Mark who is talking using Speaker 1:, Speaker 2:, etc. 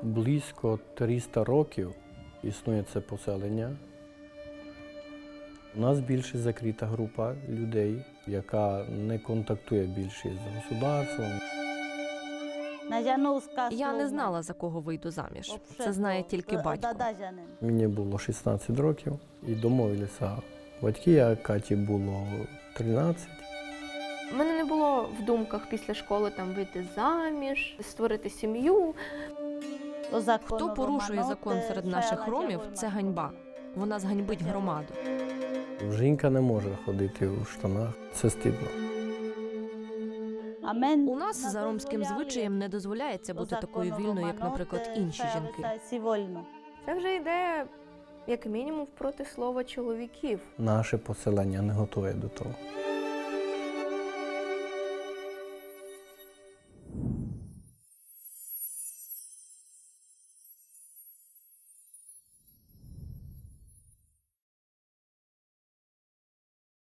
Speaker 1: Близько 300 років існує це поселення. У нас більше закрита група людей, яка не контактує більше з государством.
Speaker 2: Я не знала, за кого вийду заміж. Це знає тільки батько.
Speaker 1: Мені було 16 років і домовилися батьки, а Каті було 13.
Speaker 3: У мене не було в думках після школи там вийти заміж, створити сім'ю.
Speaker 2: Хто порушує закон серед наших ромів, це ганьба. Вона зганьбить громаду.
Speaker 1: Жінка не може ходити у штанах, це стидно.
Speaker 2: У нас за ромським звичаєм не дозволяється бути такою вільною, як, наприклад, інші жінки.
Speaker 3: Це вже йде, як мінімум, проти слова чоловіків.
Speaker 1: Наше поселення не готове до того.